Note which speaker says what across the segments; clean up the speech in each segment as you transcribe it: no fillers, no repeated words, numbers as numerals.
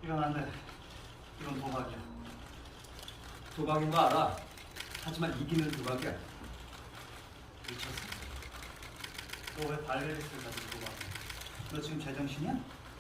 Speaker 1: 이건 안 돼. 이건 도박이야.
Speaker 2: 도박인 거 알아. 하지만 이기는 도박이야.
Speaker 1: 미쳤어. 너 왜 발레리스를 가지고 도박해? 너 지금 제정신이야?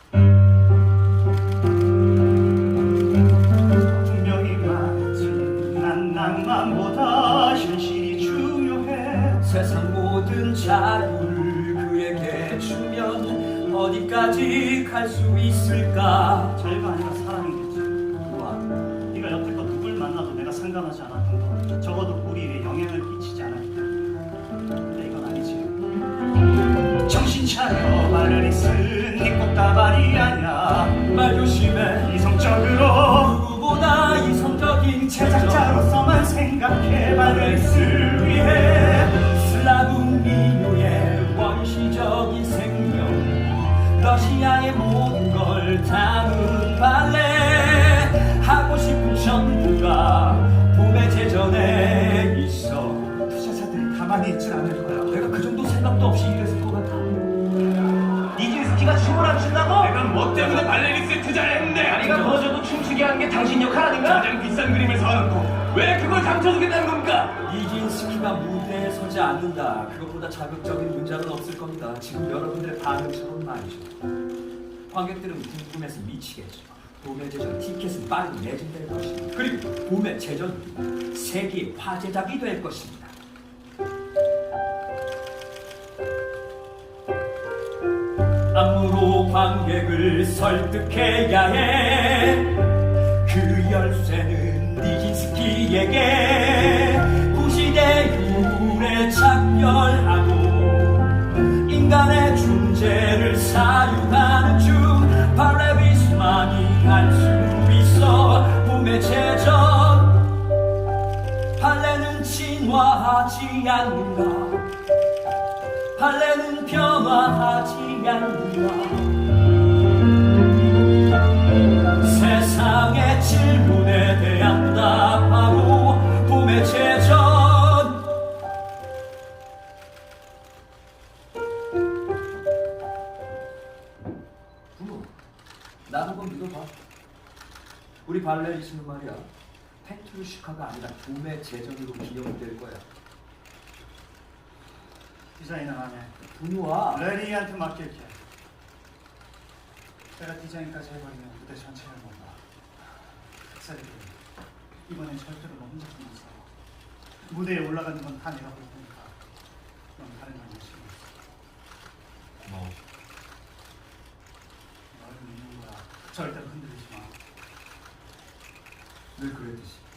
Speaker 1: 분명히 말했지. 난 낭만보다 현실이 중요해.
Speaker 2: 세상 모든 자유를 그에게 주면 어디까지 갈 수 있을까?
Speaker 1: 자유가 아니라 사랑이겠지.
Speaker 2: 와,
Speaker 1: 네가 여태껏 누굴 만나도 내가 상관하지 않았던 거, 적어도 우리에 영향을 끼치지 않았기 때문에. 근데 이건 아니지. 정신 차려. 발레리스 네 꽃다발이 아니야.
Speaker 2: 말 조심해.
Speaker 1: 이성적으로
Speaker 2: 누구보다 이성적인
Speaker 1: 제작자로서만 생각해. 발레리스를 위해
Speaker 2: 슬라브 민요의 원시적인 생명, 러시아의 모든 걸 담은 발레. 하고 싶은 전부가 봄의 제전에 있어.
Speaker 1: 투자자들이 가만히 있질 않을 거야.
Speaker 2: 내가 그 정도 생각도 없이 이랬을 것 같아.
Speaker 3: 니진스키가 춤을 안 춘다고?
Speaker 4: 내가 뭐 때문에 발레리스에 투자를 했는데
Speaker 3: 다리가 부러져도 춤추게 하는 게 당신 역할 아닌가?
Speaker 4: 가장 비싼 그림을 사놓고 왜 그걸 감춰주겠다는 겁니까?
Speaker 2: 니진스키가 무대에 서지 않는다. 그것보다 자극적인 문장은 없을 겁니다. 지금 여러분들의 반응처럼 말이죠. 관객들은 궁금해서 미치겠죠. 봄의 제전 티켓은 빠르게 매진될 것입니다. 그리고 봄의 제전은 세계의 화제작이 될 것입니다. 안무로 관객을 설득해야 해. 그 열쇠는 니진스키에게 구시대율에 작별하고 인간의 존재를 사유하는 중 발레리스만이 할 수 있어. 봄의 제전, 발레는 진화하지 않는가. 발레는 변화하지 않는가. 세상의 질문에 대한 답하고 봄의 제전. 부모, 나 한번 믿어봐. 우리 발레리스는 말이야, 페트루시카가 아니라 봄의 제전으로 기억될 거야.
Speaker 1: 디자인은 안 해.
Speaker 2: 부모와
Speaker 1: 레리한테 맡길게. 내가 디자인까지 해버리면 무대 전체를 못 봐. 흑살이 돼. 이번엔 절대로 너 혼자 좀 못 살아. 무대에 올라가는 건 다 내가 볼 테니까 넌 다른 걸 열심히 해.
Speaker 2: 고마워.
Speaker 1: 너를 믿는 거야. 절대로 흔들리지 마.
Speaker 2: 늘 그랬듯이.